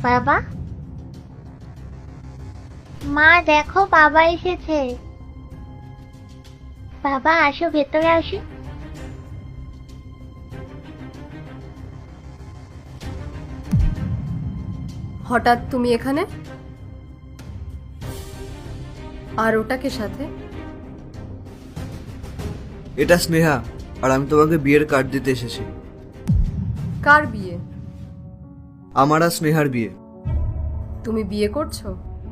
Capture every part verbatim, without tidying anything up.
বাবা, মা দেখো বাবা এসেছে। বাবা আসো, ভেতরে আসো। হঠাৎ তুমি এখানে? আর ওটাকে সাথে? এটা স্নেহা, আর আমি তোমাকে বিয়ের কার্ড দিতে এসেছি। কার বিয়ে? আমার আর স্নেহার বিয়ে। তুমি বিয়ে করছো?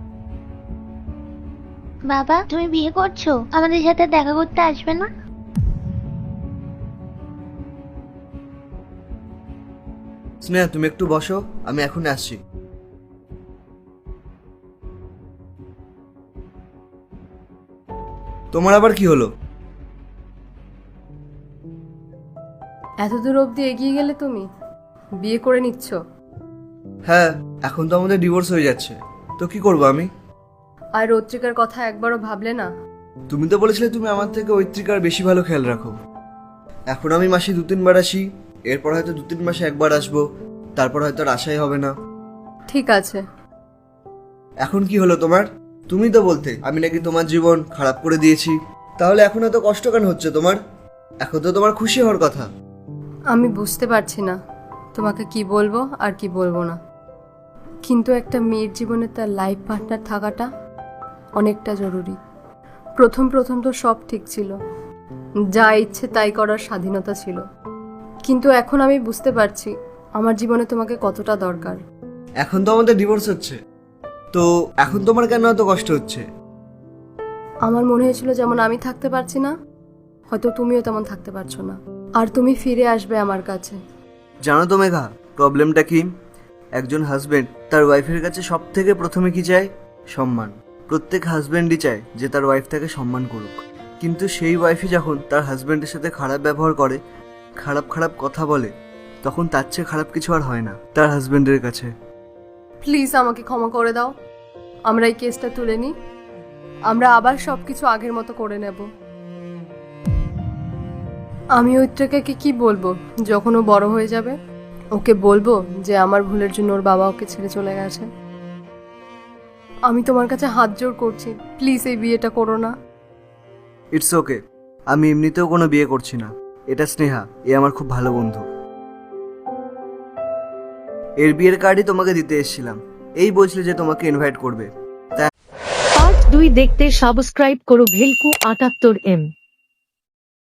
বাবা তুমি বিয়ে করছো, আমাদের সাথে দেখা করতে আসবে না? স্নেহা তুমি একটু বসো, আমি এখন আসছি। তোমার আবার কি হলো? এত দূর অবধি এগিয়ে গেলে তুমি? বিয়ে করে নিচ্ছ? হ্যাঁ, এখন তো আমাদের ডিভোর্স হয়ে যাচ্ছে, তো কি করবো আমি? আর রত্রিকার কথা একবারও ভাবলে না? তুমি তো বলেছিলে তুমি আমার থেকে ঐত্রিকার বেশি ভালো খেয়াল রাখো। এখন আমি মাসে দু তিনবার আসি, এরপর হয়তো দু তিন মাসে একবার আসবো, তারপর হয়তো আর আসাই হবে না। ঠিক আছে। এখন কি হলো তোমার? তুমি তো বলতে আমি নাকি তোমার জীবন খারাপ করে দিয়েছি, তাহলে এখন এত কষ্ট কেন হচ্ছে তোমার? এখন তো তোমার খুশি হওয়ার কথা। আমি বুঝতে পারছি না তোমাকে কি বলবো আর কি বলবো না, কিন্তু একটা মেয়ের জীবনে তার লাইফ পার্টনার থাকাটা অনেকটা জরুরি। প্রথম প্রথম তো সব ঠিক ছিল, যা ইচ্ছে তাই করার স্বাধীনতা ছিল, কিন্তু এখন আমি বুঝতে পারছি আমার জীবনে তোমাকে কতটা দরকার। এখন তো আমাদের ডিভোর্স হচ্ছে, তো এখন তোমার কেন এত কষ্ট হচ্ছে? আমার মনে হয়েছিল যেমন আমি থাকতে পারছি না, হয়তো তুমিও তেমন থাকতে পারছো না, আর তুমি ফিরে আসবে আমার কাছে। জানো তো মেঘা, প্রবলেমটা কি? একজন হাজবেন্ড তার ওয়াইফের কাছে সব থেকে প্রথমে কি চায়? সম্মান। প্রত্যেক হাজবেন্ডই চায় যে তার ওয়াইফ তাকে সম্মান করুক, কিন্তু সেই ওয়াইফই যখন তার হাজবেন্ডের সাথে খারাপ ব্যবহার করে, খারাপ খারাপ কথা বলে, তখন তার চেয়ে খারাপ কিছু আর হয় না তার হাজবেন্ডের কাছে। প্লিজ আমাকে ক্ষমা করে দাও, আমরা এই কেসটা তুলে নিই, আমরা আবার সবকিছু আগের মতো করে নেব। আমি ঐত্রিকাকে কি বলবো যখন ও বড় হয়ে যাবে? ওকে বলবো যে আমার ভুলের জন্য ওর বাবা ওকে ছেড়ে চলে গেছে? আমি তোমার কাছে হাত জোর করছি, প্লিজ এই বিয়েটা করো না। ইটস ওকে, আমি এমনিতেও কোনো বিয়ে করছি না। এটা স্নেহা, এ আমার খুব ভালো বন্ধু। এর বিয়ের কার্ডই তোমাকে দিতে এসেছিলাম, এই বলছিলে যে তোমাকে ইনভাইট করবে। পার্ট দুই দেখতে সাবস্ক্রাইব করো ভেলকু আটাত্তর এম।